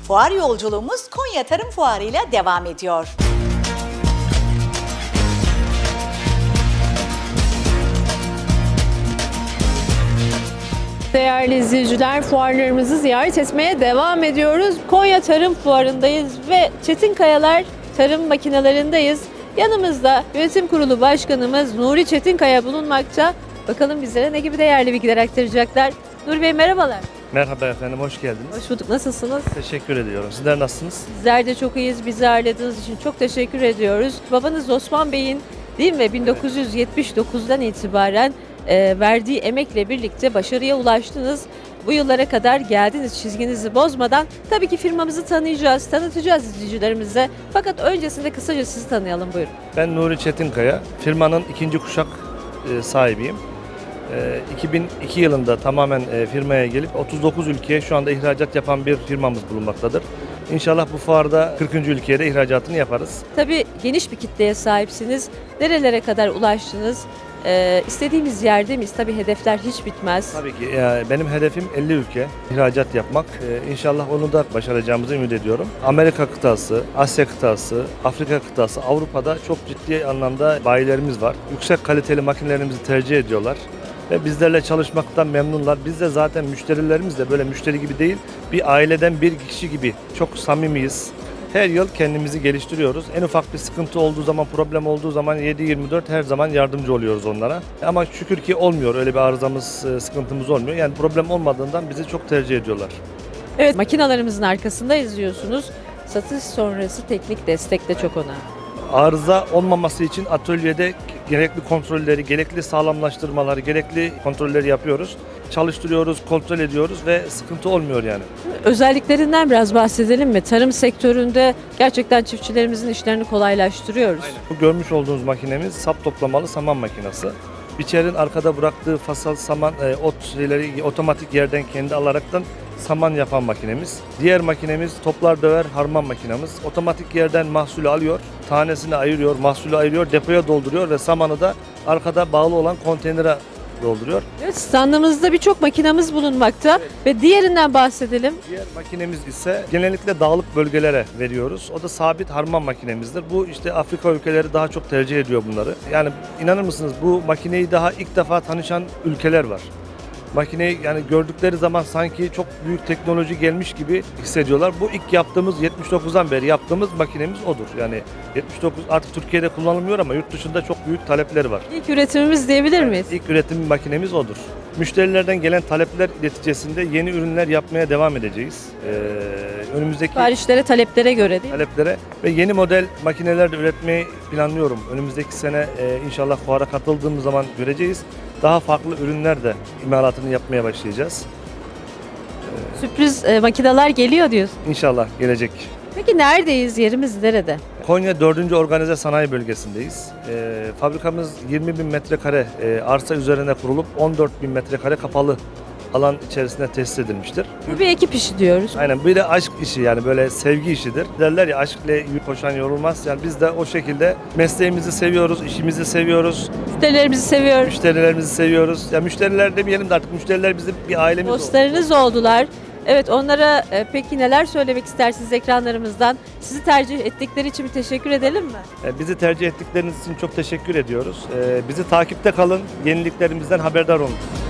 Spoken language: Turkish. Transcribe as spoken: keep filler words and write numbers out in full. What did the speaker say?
Fuar yolculuğumuz Konya Tarım Fuarı ile devam ediyor. Değerli izleyiciler, fuarlarımızı ziyaret etmeye devam ediyoruz. Konya Tarım Fuarı'ndayız ve Çetinkayalar Tarım Makinelerindeyiz. Yanımızda Yönetim Kurulu Başkanımız Nuri Çetinkaya bulunmakta. Bakalım bizlere ne gibi değerli bilgiler aktaracaklar. Nuri Bey merhabalar. Merhaba efendim, hoş geldiniz. Hoş bulduk. Nasılsınız? Teşekkür ediyorum. Sizler nasılsınız? Bizler de çok iyiyiz. Bizi ağırladığınız için çok teşekkür ediyoruz. Babanız Osman Bey'in değil mi bin dokuz yüz yetmiş dokuzdan itibaren e, verdiği emekle birlikte başarıya ulaştınız. Bu yıllara kadar geldiniz çizginizi bozmadan. Tabii ki firmamızı tanıyacağız, tanıtacağız izleyicilerimize. Fakat öncesinde kısaca sizi tanıyalım, buyurun. Ben Nuri Çetinkaya, firmanın ikinci kuşak e, sahibiyim. E, iki bin iki yılında tamamen e, firmaya gelip otuz dokuz ülkeye şu anda ihracat yapan bir firmamız bulunmaktadır. İnşallah bu fuarda kırkıncı ülkeye de ihracatını yaparız. Tabii geniş bir kitleye sahipsiniz. Nerelere kadar ulaştınız? Ee, istediğimiz yerde miyiz? Tabii hedefler hiç bitmez. Tabii ki e, benim hedefim elli ülke ihracat yapmak. E, İnşallah onu da başaracağımızı ümit ediyorum. Amerika kıtası, Asya kıtası, Afrika kıtası, Avrupa'da çok ciddi anlamda bayilerimiz var. Yüksek kaliteli makinelerimizi tercih ediyorlar. Ve bizlerle çalışmaktan memnunlar. Biz de zaten müşterilerimiz de böyle müşteri gibi değil, bir aileden bir kişi gibi çok samimiyiz. Her yıl kendimizi geliştiriyoruz. En ufak bir sıkıntı olduğu zaman, problem olduğu zaman yedi yirmi dört her zaman yardımcı oluyoruz onlara. Ama şükür ki olmuyor, öyle bir arızamız, sıkıntımız olmuyor. Yani problem olmadığından bizi çok tercih ediyorlar. Evet, makinalarımızın arkasında izliyorsunuz. Satış sonrası teknik destek de çok önemli. Arıza olmaması için atölyede gerekli kontrolleri, gerekli sağlamlaştırmaları, gerekli kontrolleri yapıyoruz. Çalıştırıyoruz, kontrol ediyoruz ve sıkıntı olmuyor yani. Özelliklerinden biraz bahsedelim mi? Tarım sektöründe gerçekten çiftçilerimizin işlerini kolaylaştırıyoruz. Aynen. Bu görmüş olduğunuz makinemiz sap toplamalı saman makinesi. Biçerin arkada bıraktığı fasal saman, e, ot şeyleri otomatik yerden kendi alaraktan saman yapan makinemiz. Diğer makinemiz toplar döver harman makinemiz. Otomatik yerden mahsulü alıyor, tanesini ayırıyor, mahsulü ayırıyor, depoya dolduruyor ve samanı da arkada bağlı olan konteynere dolduruyor. Evet, standımızda birçok makinamız bulunmakta ve diğerinden bahsedelim. Diğer makinemiz ise genellikle dağlık bölgelere veriyoruz. O da sabit harman makinemizdir. Bu işte Afrika ülkeleri daha çok tercih ediyor bunları. Yani inanır mısınız, bu makineyi daha ilk defa tanışan ülkeler var. Makineyi yani gördükleri zaman sanki çok büyük teknoloji gelmiş gibi hissediyorlar. Bu ilk yaptığımız yetmiş dokuzdan beri yaptığımız makinemiz odur. Yani yetmiş dokuz artık Türkiye'de kullanılmıyor ama yurt dışında çok büyük talepleri var. İlk üretimimiz diyebilir miyiz? İlk üretim makinemiz odur. Müşterilerden gelen talepler neticesinde yeni ürünler yapmaya devam edeceğiz. Ee, önümüzdeki Siparişlere, taleplere göre değil mi? taleplere ve yeni model makineler de üretmeyi planlıyorum. Önümüzdeki sene e, inşallah fuara katıldığımız zaman göreceğiz. Daha farklı ürünler de imalatını yapmaya başlayacağız. Sürpriz e, makineler geliyor diyorsun. İnşallah gelecek. Peki neredeyiz? Yerimiz nerede? Konya dördüncü Organize Sanayi Bölgesi'ndeyiz. E, fabrikamız yirmi bin metrekare e, arsa üzerine kurulup on dört bin metrekare kapalı alan içerisinde tesis edilmiştir. Bu bir ekip işi diyoruz. Aynen, bir de aşk işi, yani böyle sevgi işidir. Derler ya, aşk ile koşan yorulmaz. Yani biz de o şekilde mesleğimizi seviyoruz, işimizi seviyoruz, Müşterilerimizi seviyoruz. müşterilerimizi seviyoruz. Ya müşteriler demeyelim de artık müşteriler bizim bir ailemiz oldu. Dostlarınız oldular. Evet, onlara e, peki neler söylemek istersiniz ekranlarımızdan? Sizi tercih ettikleri için bir teşekkür edelim mi? E, Bizi tercih ettikleriniz için çok teşekkür ediyoruz. E, Bizi takipte kalın, yeniliklerimizden haberdar olun.